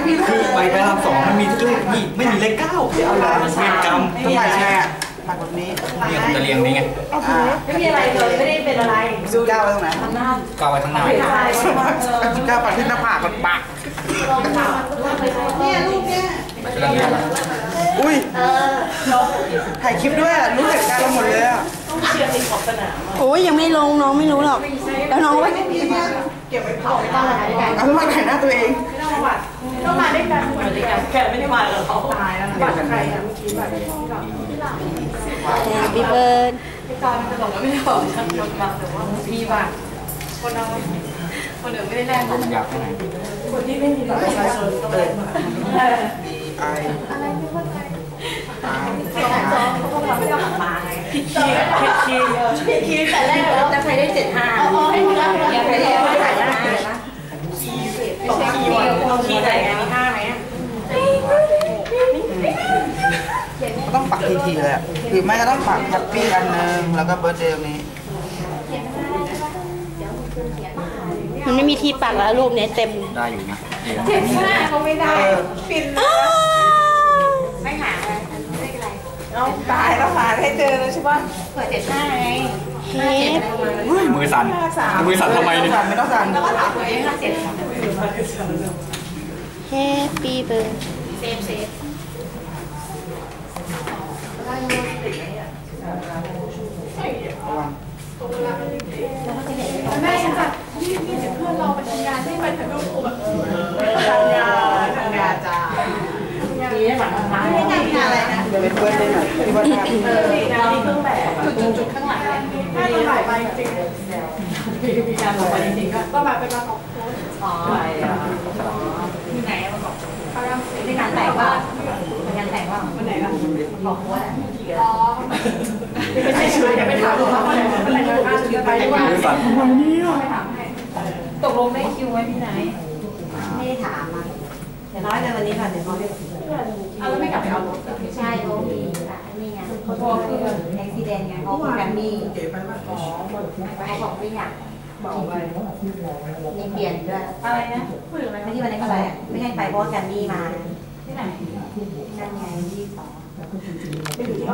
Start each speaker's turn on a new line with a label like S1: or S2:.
S1: คือไปพระราม2มันมีทุกเลขนี่ไม่มีเลข9เอาละเวรกรรม
S2: ทำไมแม่ปักแบบนี้
S1: เนี่ยผมจะเรียงนี้ไง
S3: ไม่มีอะไรเลยไม่ได้เป็นอะไร
S2: ดูก้าวไว้ตรงไหน
S1: ก้าวไว้ข้างหน้า
S2: ก้าวปักที่หน้าผากปัก
S3: เนี่ยรูปเนี่ย
S2: อุ้ยถ่ายคลิปด้วยรู้เหตุการณ์เราหมดเลยอ่ะ
S4: โอ้ยยังไม่ลงน้องไม่รู้หรอกแล้วน้องว่า
S3: เก็บไว้เผาไม่ต้องมาด้วยกัน
S2: เอามาถ่ายหน้าตัวเอง
S3: ต้องมาด้วยกันเหมือนกันแกไม่ได้มาแล้วเขาตายแล้วนะบัตรใครอ่ะเมื่อกี้บัตร
S4: Happy birthday
S3: ตอนจะบอกว่าไม่ได้บอกฉันยกมาแต่ว่ามีบัตรคนเราคนอื่นไม่ได้แลก
S1: ผมอยากให้ไหน
S3: คนที่ไม่มีบัตรประชาชนต้องแลกมาอะไรไม่เข้าใจเขาบอกเราไม่ได้เอามาไงผิดคีย์แต่แรกแล้วจะใครได้75ให้คุณรับยังไม่ได้ไม่ได้นะตกคีย์วันคีย์ไหนอันนี้5ไหม
S2: ต้องปักทีเลยอ่ะหรือไม่ก็ต้องปักแฮปปี้อันนึงแล้วก็เบิร์ดเดย์นี้
S4: มันไม่มีที่ปักแล้วรูปนี้เต็ม
S1: ได้อยู่นะ
S3: 75เขาไม่ได้ปิดไม่หาอะไรไม่เป็นไรเอาตายแล้วหาให้เจอเลยใช่ป่ะเปิด75ไง
S1: มือสั่นมือสั่นทำไมเนี่ย
S2: ไม่ต้องสั่น
S3: แล้วก็ถามตัวเอง57
S4: Happy birthday
S3: เซฟแม่ฉันแบบนี่เดี๋ยวเพื่อนเราไปทำงานที่ไปถ่ายรูปกูแบบทำงานจ้าดีนะหลังท้ายไม่ทำงานอะไรนะ
S2: เดี๋ยวไปเพื่อนได้หน่อยที่ว่า
S3: เรามีเครื่องแบบจุดข้างหลังถ้าเราถ่ายไปจริงมีการถ่ายไปจริงก็มาเป็นมาของโค้ชอ๋อที่ไหนมาบอกในงานแต่งว่างานแต่งว่าวันไหนล่ะบอกโค้ชอ๋อไม่ใช่ช่วยไปถามเขาว่าวันไหนจะไปว่า
S1: มือสั่นทำไมเนี่ย
S3: ไปถามให้ตกลงได้คิวไว้ที่ไหนไม่ได้ถามอ่ะแต่น้อยเลยวันนี้ค่ะเดี๋ยวเขาเรียกเอาแล้วไม่กลับไปเอารถ
S5: ไม่ใช่โรบีนี่ไงเขาบอกคือแอคซิเดนต์ไงเขาบอกกันนี่เขาบอกไม่อยากบอกไปมีเปลี่ยนด้วย
S3: อะไรนะพูดอะไร
S5: ไม่ที่วันนี้ก็ไปไม่ให้ไปเพราะแกมมี่มา
S3: ที่ไหน
S5: นั่นไงที่2